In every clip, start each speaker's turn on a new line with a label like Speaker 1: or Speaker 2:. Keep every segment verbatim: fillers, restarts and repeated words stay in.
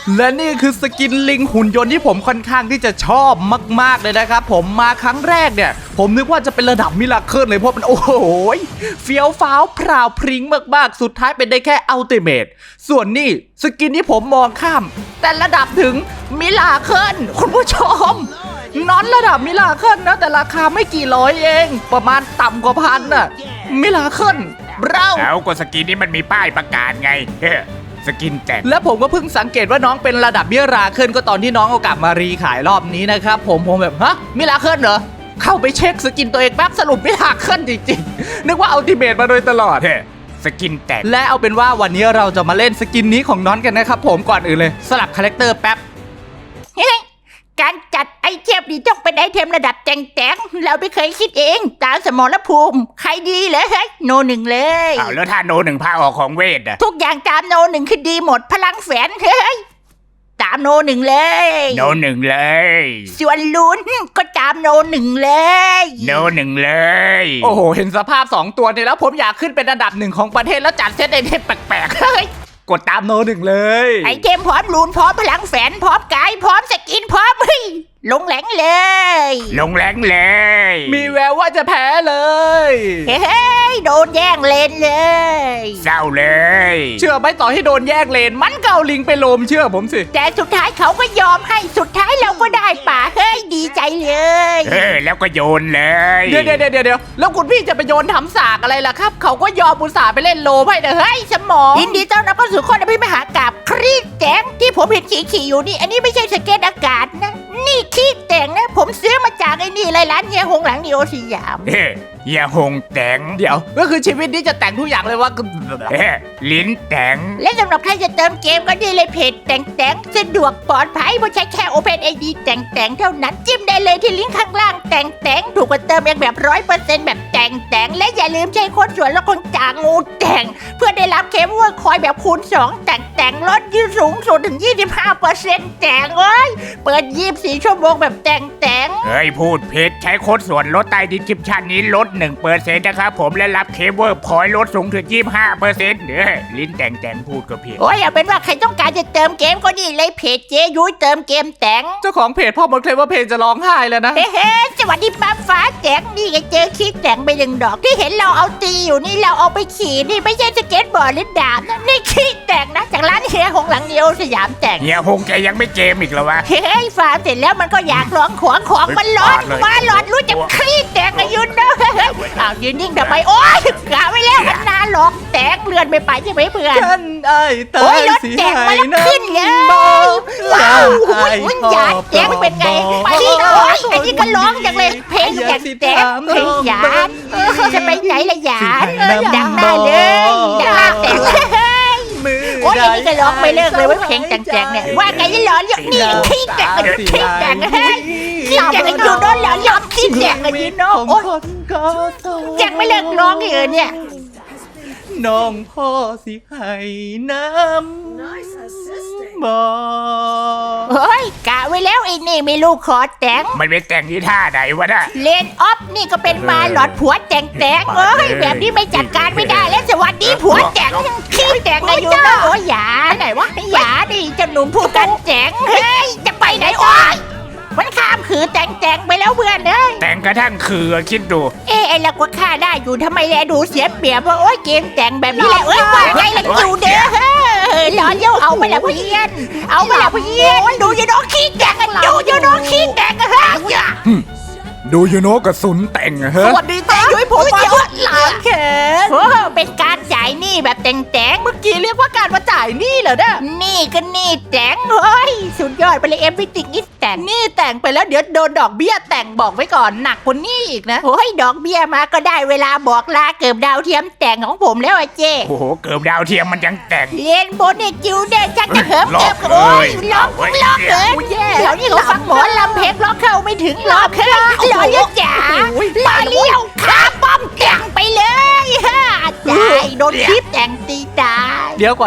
Speaker 1: และนี่คือสกินลิงหุ่นยนต์ที่ผมค่อนข้างที่จะชอบมากๆเลยนะครับผมมาครั้งแรกเนี่ยผมนึกว่าจะเป็นระดับมิราเคิลเลยเพราะมันโอ้โหเฟี้ยวฟ้าวพราวพริ้งมากๆสุดท้ายเป็นได้แค่อัลติเมทส่วนนี่สกินที่ผมมองข้ามแต่ระดับถึงมิราเคิลคุณผู้ชมนอนระดับมิราเคิลนะแต่ราคาไม่กี่ร้อยเองประมาณต่ำกว่าพันน่ะมิราเคิลเรา
Speaker 2: แล้วก็สกินนี้มันมีป้ายประกาศไงเฮ้สกินแจก
Speaker 1: และผมก็เพิ่งสังเกตว่าน้องเป็นระดับมิราเคิลก็ตอนที่น้องเอากลับมารีขายรอบนี้นะครับผมผมแบบฮะมิราเคิลเหรอเข้าไปเช็คสกินตัวเองแป๊บสรุปมิราเคิลจริงๆนึกว่าอัลติเมทมาโดยตลอด
Speaker 2: เฮ้สกินแจก
Speaker 1: และเอาเป็นว่าวันนี้เราจะมาเล่นสกินนี้ของน้องกันนะครับผมก่อนอื่นเลยสลับคาแรคเตอร์แป๊บ
Speaker 3: การจัดไอเทมนี่ต้องเป็นไอเทมระดับแจ๋งๆเราไม่เคยคิดเองตามสมรภูมิใครดีเลยเฮ้ยโนหนึ่งเลย
Speaker 2: อ้าวแล้วถ้าโนหนึ่งพาออกของเวทอะ
Speaker 3: ทุกอย่างตามโนหนึ่งคือดีหมดพลังแฝงเฮ้ยตามโนหนึ่งเลย
Speaker 2: โนหนึ่งเลย
Speaker 3: ส่วนลุ้นก็ตามโนหนึ่งเลย
Speaker 2: โนหนึ่งเลย
Speaker 1: โอ้โหเห็นสภาพสองตัวเนี่ยแล้วผมอยากขึ้นเป็นอันดับหนึ่งของประเทศแล้วจัดเซตไอเทมแปลกๆเฮ้ยกดตามโนหนึ่งเลย
Speaker 3: ไอเทมพร้อมลูนพร้อมพลังแฝงพร้อมกายพร้อมสกินพร้อมเฮ้ยลงแหลงเลย
Speaker 2: ลงแหลงเลย
Speaker 1: มีแววว่าจะแพ้เลย
Speaker 3: เฮ้ยโดนแย่งเลนเลย
Speaker 2: เศร้าเลย
Speaker 1: เชื่อไหมต่อให้โดนแยกเลนมันเกาลิงไปโลมเชื่อผมสิ
Speaker 3: แต่สุดท้ายเขาก็ยอมให้สุดท้ายเราก็ได้ป่าเฮ้ยดีใจเลย
Speaker 2: เออแล้วก็โยนเลย
Speaker 1: เดี๋ยวเดี๋ยวเดี๋ยวเดี๋ยวแล้วคุณพี่จะไปโยนทำสากอะไรล่ะครับเขาก็ยอมอุตส่าห์ไปเล่นโลมให้เด้อเฮ้ยสมอง
Speaker 3: ยินดีต้อนรับเข้าสู่คนอภิมหากาบครีดแจ๋งที่ผมเห็นขี่ๆอยู่นี่อันนี้ไม่ใช่สเก็ตอากาศนะนี่ขี้แต่งนะผมซื้อมาจากไอ้นี่ไรร้านเฮียหงหลังนิโอสยาม
Speaker 2: เฮ้ยเฮียหงแต่ง
Speaker 1: เดี๋ยวก็คือชีวิตนี้จะแต่งทุกอย่างเลยว่า
Speaker 2: เฮ้ยลิ้นแต่ง
Speaker 3: และสำหรับใครจะเติมเกมก็ดีเลยเพจแต่งแต่งสะดวกปลอดภัยเพราะใช้แค่ Open ไอ ดี แต่งแต่งเท่านั้นจิ้มได้เลยที่ลิงก์ข้างล่างแต่งแต่งถูกกว่าเติมเองแบบร้อยเปอร์เซ็นต์แบบแต่งแต่งและอย่าลืมใช้โค้ดส่วนลดคนจางงูแต่งเพื่อได้รับเคมว่าคอยแบบคูณสองแต่งแต่งลดยืดสูงสุดถึง ยี่สิบห้าเปอร์เซ็นต์ แต่งเอ้ยเปิดยี่สิบสี่ชั่วโมงแบบแต่งแต่ง
Speaker 2: เฮ้ยพูดผิดใช้โค้ดส่วนลดใต้ดิสคริปชั่นนี้ลด หนึ่งเปอร์เซ็นต์ นะครับผมและรับเคเบิลพอยต์ลดสูงถึง ยี่สิบห้าเปอร์เซ็นต์ เด้อลิ้นแต่งแต่งพูดก็ผิด
Speaker 3: โอ้ยเอาเป็นว่าใครต้องการจะเติมเกมก็ดีเลยเพจเจยุ้ยเติมเกมแต่ง
Speaker 1: เจ้าของเพจพ่อมดเคลมว่าเพจจะร้องไห้แล้วนะ
Speaker 3: เฮ้สวัสดีป้าฟ้าแจ๋งนี่ก็เจอคิดแต่งไปหนึ่งดอกที่เห็นเราเอาตีอยู่นี่เราเอาไปขี่นี่ไม่ใช่สเก็ตบอร์ดหรือดาบนะนี่คิดแต่งนะจากร้านเฮียหงหลังเดียวสยามแต่ง
Speaker 2: เฮียหงแกยังไม่เกมอีกเหรอวะ
Speaker 3: เฮ้ยฟาร์มเสร็จแล้วมันก็อยากร้องขวางของมันร้อนมาร้อนรู้จักคิดแต่งอายุนะอ้าวยืนนิ่งทำไมโอ๊ยกะไว้แล้วมันนาหลอกแตกเลือนไม่ไปใช่ไหมเพื่อน
Speaker 1: ฉันไอ้ตายสิให้น้ำ
Speaker 3: ว้าวหุ่นหยาดแจ๋งเป็นไงไปดิโอ๊ยอันนี้ก็ร้องจังเลยเพลงแจ๋งแจ๋งเพลงหยาดจะไปไหนละหยาดดังได้เลยดังแจ๋งโอ้ยอันนี้ก็ร้องไม่เลิกเลยว่าเพลงแจ๋งๆเนี่ยว่าไงจะร้องอย่างนี้ขี้แจ๋งขี้แจ๋งเฮ้ยขี้แจ๋งกันอยู่โดนหลอนยอมขี้แจ๋งกันอยู่เนาะโอ๊ยแจ๋งไม่เลิกร้องเลยเนี่ย
Speaker 1: น้องพ่อสิให้น้ำบ่
Speaker 3: เฮ้ยกะไว้แล้วไอ้นี่ไม่ลูกขอแต่ง
Speaker 2: มันเป็นแต่งที่ท่าไหนวะน่ะ
Speaker 3: เลนออฟนี่ก็เป็นมาหลอดผัวแต่งแต่งเอ้ยแบบนี้ไม่จัดการไม่ได้แล้วสวัสดีผัวแต่งขี้แต่งอายุนะโอ้ยอย่าไหนวะอย่าดิจะหนุ่มพูดกันแต่งเฮ้ยจะไปไหนโอ้ยมันข้ามคือแต่งแต่งไปแล้วเพื่อนเอ้ย
Speaker 2: แต่งกระทั่งคือคิดดู
Speaker 3: เอ๊ะไอ้ละก็ฆ่าได้อยู่ทำไมแลดูเสียเปรียบว่าโอ๊ยเกมแต่งแบบนี้แหละเอ้ยว่าไงล่ะอยู่เด้อหลอนเย้าเอาไปละเพื่อนเอาไปละเพื่อนดูยูโนขี้แต่งกันดูยูโนขี้แต่งกันฮะ
Speaker 2: ดูยูโนกระสุนแต่งฮะ
Speaker 1: สวัสดีเต้ยุ้ยผมมาหลังแขน
Speaker 3: โอ้เป็นการจ่ายหนี้แบบแต่งแต่ง
Speaker 1: เมื่อกี้เรียกว่าการมาจ่ายหนี้เหรอเนี่ย
Speaker 3: นี่ก็นี่แต่งเฮ้ยสุดยอดไปเลยเอ็มพิติกนี่แต่ง
Speaker 1: นี่แต่งไปแล้วเดี๋ยวโดนดอกเบี้ยแต่งบอกไว้ก่อนหนักกว่านี้อีกนะ
Speaker 3: โอ้ยดอกเบี้ยมาก็ได้เวลาบอกลาเกิบดาวเทียมแต่งของผมแล้วอะเจ้
Speaker 2: โอ้โหเกิบดาวเทียมมันยังแต่ง
Speaker 3: เรียนโบนเนี่ยจิวเด้ชักจะเหิมเก็บโอ้ยล็อกล็อกเลยเดี๋ยวนี้เขาฟังหมอลำเพลงล็อกเข้าไม่ถึงล็อกเลยหล่อเยอะจ๋าลาเลี้ยวขาป้อมแต่งไปเลยฮะตายโดนคลิปแต่งตีตาย
Speaker 1: เดี๋ยวก่อนนะ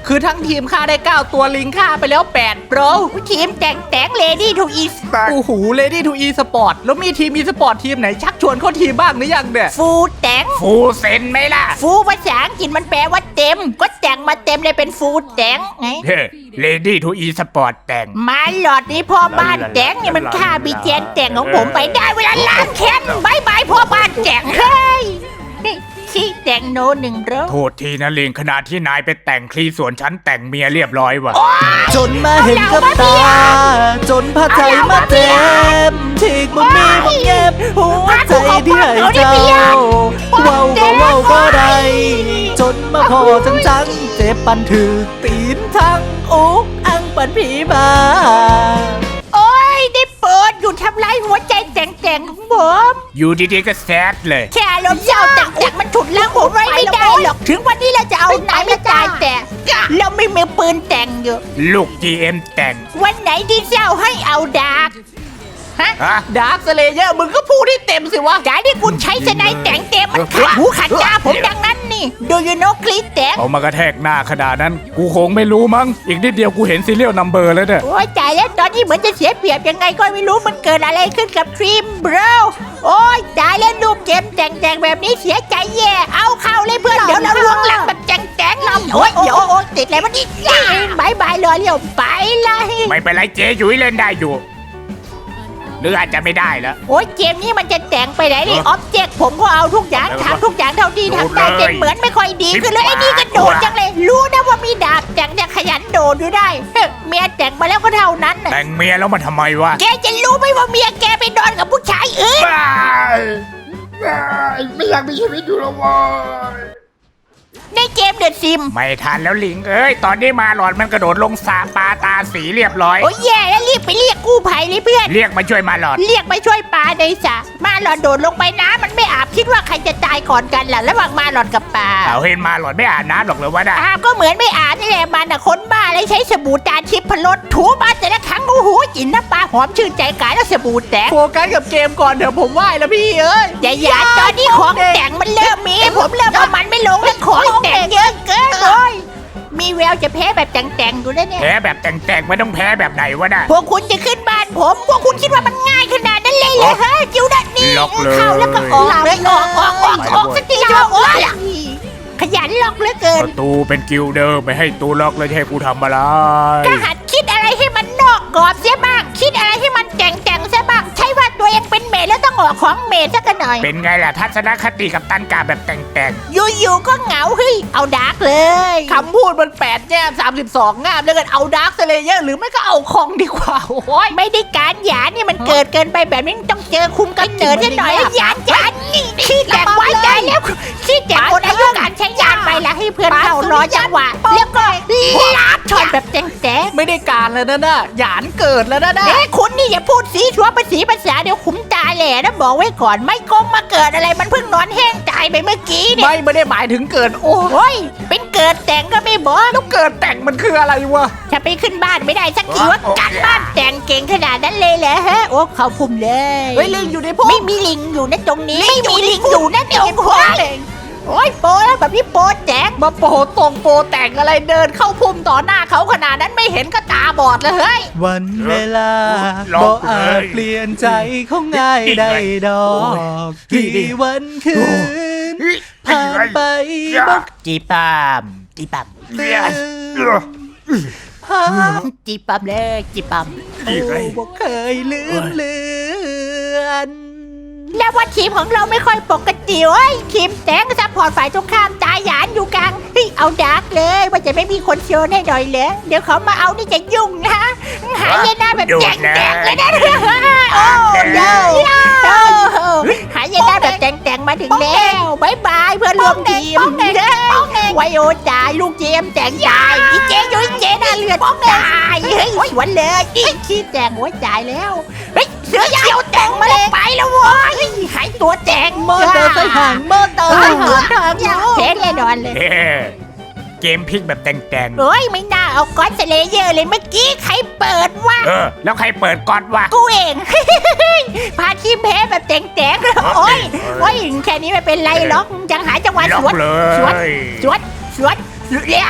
Speaker 1: คือทั้งทีมฆ่าได้เก้าตัวลิงฆ่าไปแล้วแปดโปร
Speaker 3: ทีมแต่งแต่งเลดี้ทูอีสปอร์ต
Speaker 1: โอ้โหเลดี้ทูอีสปอร์ตแล้วมีทีมอีสปอร์ตทีมไหนชักชวนเข้าทีมบ้างหรือยังเนี่ย
Speaker 3: ฟูแต่ง
Speaker 2: ฟูเซนไหมล่ะ
Speaker 3: ฟูภาษาอังกฤษมันแปลว่าเต็มก็แต่งมาเต็มเลยเป็นฟูแต่งไง
Speaker 2: เฮ้เลดี้ทูอีสปอร์ตแต่ง
Speaker 3: มาหลอดนี้พ่อบ้านแต่งนี่มันฆ่าบีเจนแต่งของผมไปได้เวลาล้างแค้นบายบายพ่อบ้านแต่งเฮ้ยชี้แต่งโนหนึ่งรอบ
Speaker 2: โทษทีนะลิงขณะที่นายไปแต่งคลีส่วนฉันแต่งเมียเรียบร้อยว่ะ
Speaker 1: จนมาเห็นกับตา จนพาใจมาเต็มทีกบ่มีบ่เก็บหัวใจที่ให้เจ้าเว้าก็เว้าก็ได้จนมาพอจังจังๆเจ็บปันถือตีนทั้งอกอังปันผีมา
Speaker 3: โอ้ยได้เปิดอยู่ทำลายหัวใจแต่งแต่งของผม
Speaker 2: อยู่ดีๆก็แซดเลย
Speaker 3: แค่อารมณ์เศร้าแต่งแต่งมันฉุดล้างผมไว้ไม่ได้หรอกถึงวันนี้เราจะเอาไหนมาตายแต่เราไม่มีปืนแต่งอยู่
Speaker 2: ลูก จี เอ็ม แต่ง
Speaker 3: วันไหนที่เศร้าให้เอาดาร์กฮะ
Speaker 2: ฮะ
Speaker 1: ดาร์คสเลเยอร์มึงก็พูดให้เต็มสิวะ
Speaker 3: การที่คุณใช้สไนด์แต่งเต็มมันขัดหูขัดตาผมดังนั้นนี่ดูยูโนคลิปแต่ง
Speaker 2: เอามากระแทกหน้าขนาดนั้น กูคงไม่รู้มั้ง อีกนิดเดียวกูเห็นซีเรียลนัมเบอร์แล้วเนี่ย
Speaker 3: โอ้ยจ่ายแล้วตอนนี้เหมือนจะเสียเปรียบยังไงก็ไม่รู้มันเกิดอะไรขึ้นกับทรีมบรโอ้ยจ่ายแล้วรูปเกมแต่งแต่งแบบนี้เสียใจแย่เอาเข้าเลยเพื่อนเดี๋ยวเราลวงหลังแบบแจงแจงเราโอ้ยเดี๋ยวโอ้ยติดอะไรมันอีกบายบายเลยเรียวไปเลย
Speaker 2: ไม่เป็นไรเจ๊ยุ้ยเล่นได้อยู่ หรืออาจจะไม่ได้แล้ว
Speaker 3: โอ้ยเกมนี้มันจะแต่งไปไหนนี่ออบเจกต์ผมก็เอาทุกอย่างทำทุกอย่างเท่าที่ทำได้แต่เหมือนไม่ค่อยดีขึ้นเลยไอ้นี่ก็โดดจังเลยรู้นะว่ามีดาบแต่งจะขยันโดดอยู่ได้เฮ้ยเมียแต่งมาแล้วก็เท่านั้นน่ะ
Speaker 2: แต่งเมียแล้วมันทำไมวะ
Speaker 3: แกจะรู้ไหมว่าเมียแกไปนอนกับผู้ชายอื่น
Speaker 2: บ้า
Speaker 4: ไม่อยากมีชีวิตอยู่แล้วเว้ย
Speaker 3: ในเกมเดอะซิม
Speaker 2: ไม่ทันแล้วลิงเอ้ย ตอนนี้มาหลอดมันกระโดดลงสาปลาตาสีเรียบร้อย
Speaker 3: โอ้ยแย่แล้วรีบไปเรียกกู้ภัยเลยเพื่อน
Speaker 2: เรียกมาช่วยมาหลอด
Speaker 3: เรียกมาช่วยปลาในสระมาหลอดโดดลงไปน้ำมันไม่อาบคิดว่าใครจะตายก่อนกันล่ะระหว่างมาหลอดกับปลา
Speaker 2: เอาเห็นมาหลอดไม่อ่านน้ำหรอกเลยวะนะ
Speaker 3: อาบก็เหมือนไม่อาบนี่แหละมันอะคนบ้าเลยใช้สบู่จานทิพย์พลดถูมาแต่ละครั้งโอ้โหกลินน้ำปลาหอมชื่นใจกายแล้วสบู่แตก
Speaker 1: โฟกัสกับเกมก่อนเดี๋ยวผมไหว้แล้วพี่เอ้ย
Speaker 3: อย่าอย่าตอนนี้ของแต่งมันเริ่มมีผมเริ่มเอามันไม่ลงแล้วของแต่งเยอะเกินเลยมีแววจะแพ้แบบแต่งๆอยู่แล้วเนี่ย
Speaker 2: แพ้แบบแต่งๆไม่ต้องแพ้แบบไหนวะน่ะ
Speaker 3: พวกคุณจะขึ้นบ้านผม พวกคุณคิดว่ามันง่ายขนาดนั้นเลยเหรอฮะจิวดันนี่
Speaker 2: ล็อกเลย
Speaker 3: เข้าแล้วก็ออกเลยออกออกออกออกสักทีเถอะโอ้ยขยันล็อกเหลือเกิ
Speaker 2: ป
Speaker 3: น
Speaker 2: ระตูเป็นกิลเดอร์ไม่ให้ตูล็อกเลยจะให้กูทำอะไร
Speaker 3: ก็หัดคิดอะไรให้มันนอกกรอบเสียบ้าง คิดอะไรให้มันแต่งแต่งๆเสียบ้าง ใช่ว่าตัวเองเป็นเมดแล้วต้องออกของเมดสักหน่อย
Speaker 2: เป็นไงล่ะทัศนคติกับตันกาแบบแต่ง
Speaker 3: อยู่ๆก็เหงาเฮ้ยเอาดาร์กเลย
Speaker 1: คำพูดมันแปดแง่สามสิบสองงามแล้วกันเอาดาร์คสเลเยอร์หรือไม่ก็เอาคองดีกว่าโอ้ย
Speaker 3: ไม่ได้การหยานี่มันเกิดเกินไปแบบนี้ต้องเจอคุมกำเนิดซะหน่อยหยานหยานนี่ขี้แตกไว้ใจแล้วขี้แตกหมดอายุการใช้ยานไปแล้วให้เพื่อนเรารอจังหวะแล้วก็ลาบช็อตแบบแจ๊ง
Speaker 1: ไม่ได้การแล้วนะน่ะหยานเกิดแล้วนะ
Speaker 3: ๆ
Speaker 1: น่ะ
Speaker 3: เอ้คุณนี่อย่าพูดสีชัวภาษีภาษาเดี๋ยวขุมตาแหล่นะบอกไว้ก่อนไม่กงมาเกิดอะไรมันเพิ่งนอนแห้งตายไปเมื่อกี้เนี่ย
Speaker 1: ไม่ไม่ได้หมายถึงเกิดโอ้
Speaker 3: โอ้ยเป็นเกิดแต่งก็ไม่บอก
Speaker 1: แล้วเกิดแต่งมันคืออะไรวะ
Speaker 3: จะไปขึ้นบ้านไม่ได้สักทีว่าการบ้านแต่งเก่งขนาดนั้นเลยเหรอฮะโอ้เขาพุ่มเลย
Speaker 1: เฮ้ยลิงอยู่ในพวก
Speaker 3: ไม่มีลิงอยู่นะตรงนี้ไม่มีลิงอยู่นะตรงหัวโอ้ยโปแล้วแบบนี้โปแจ๋ง
Speaker 1: มาโปตรงโปแต่งอะไรเดินเข้าพุ่มต่อหน้าเขาขนาดนั้นไม่เห็นก็ตาบอดเลยเฮ้ย
Speaker 5: วันเวลา
Speaker 2: ล็
Speaker 5: บ่
Speaker 2: อกเล
Speaker 5: อาจ
Speaker 2: ย
Speaker 5: เปลี่ยนใจของง่ายได้ดอกกี่วันคืนผ่านไปบ่
Speaker 3: จีปามจีปาม
Speaker 5: ตื่นภาพ
Speaker 3: จีปามเลยจีปาม
Speaker 5: โอ้บ่เคยลืมเลือน
Speaker 3: แล้วว่าทีมของเราไม่ค่อยปกติเว้ยทีมแตงซัพพอร์ตฝ่ายตรงข้ามตายหยานอยู่กลางเฮ้ยเอาดาร์กเลยว่าจะไม่มีคนโชว์ให้หน่อยเลยเดี๋ยวเขามาเอานี่จะยุ่งนะหายหน้าแบบแจงๆเลยนะโอ้เดหายหน้าแบบแจงๆมาถึงแล้วบายบายเพื่อนร่วมทีมไวโอจ่ายลูกเจมแจงจ่ายอีเจยุ้ยเจน่าเลือดตายเฮ้ยสวนเลยอีขี้แจงหัวจ่ายแล้วเฮ้ยเสือเขียวแจงมาเลยไปแล้ววะหายตัวแจง
Speaker 5: มอเตอร์ไซค์ห่างมอเตอร์ไซค์ห่าง
Speaker 3: เท่แน่นอนเลย
Speaker 2: ๆเอ้เกมพลิกแบบแต่ง
Speaker 3: โอ้ยไม่น่าเอาก้อนสเลเยอร์เลยเมื่อกี้ใครเปิดวะ
Speaker 2: ๆเออ แล้วใครเปิดก่อนวะ
Speaker 3: กูเอง พาทีมแพ้แบบแตงๆโอ้ยโอ้ยแค่นี้ไม่เป็นไรหรอกยังหาจังหวะ
Speaker 2: ล็อ
Speaker 3: สวน
Speaker 2: กเล
Speaker 3: สวน
Speaker 2: ย
Speaker 3: สวนสวนเลี้ย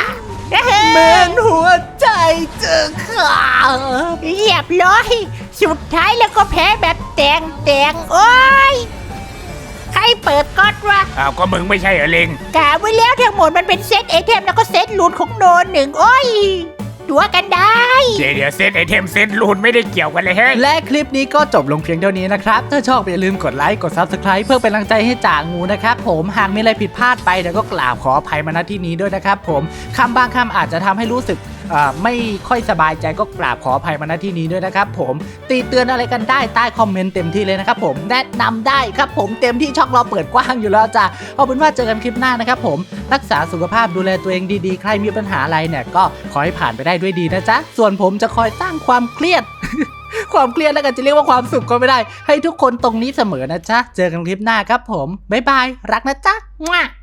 Speaker 5: เหมือนหัวใจจะขาด
Speaker 3: เรียบร้อยสุดท้ายแล้วก็แพ้แบบแตงแตงโอ้ยใครเปิดก๊อตวะ
Speaker 2: อ้าวก็มึงไม่ใช่เหรอลิง
Speaker 3: กะไว้แล้วทั้งหมดมันเป็นเซตไอเทมแล้วก็เซตลูนของโนนหนึ่งโอ้ยตัวกันได้
Speaker 2: เดี๋ยวเดี๋ยวเซตไอเทมเซตรูนไม่ได้เกี่ยวกันเลยเฮ้ย
Speaker 5: และคลิปนี้ก็จบลงเพียงเท่านี้นะครับถ้าชอบอย่าลืมกดไลค์กด ซับสไครบ์ เพื่อเป็นกำลังใจให้จ่างูนะครับผมหากมีอะไรผิดพลาดไปเดี๋ยวก็กราบขออภัยมาณที่นี้ด้วยนะครับผมคำบางคำอาจจะทำให้รู้สึกอ่าไม่ค่อยสบายใจก็กราบขออภัยมาณที่นี้ด้วยนะครับผมตีเตือนอะไรกันได้ใต้คอมเมนต์เต็มที่เลยนะครับผมแนะนำได้ครับผมเต็มที่ช่องเราเปิดกว้างอยู่แล้วจ้ะเอาเป็นว่าเจอกันคลิปหน้านะครับผมรักษาสุขภาพดูแลตัวเองดีๆใครมีปัญหาอะไรเนี่ยก็ขอให้ผ่านไปได้ด้วยดีนะจ๊ะส่วนผมจะคอยสร้างความเครียด ความเครียดแล้วกันจะเรียกว่าความสุขก็ไม่ได้ให้ทุกคนตรงนี้เสมอนะจ๊ะเจอกันคลิปหน้าครับผมบ๊ายบายรักนะจ๊ะ
Speaker 3: มั่ว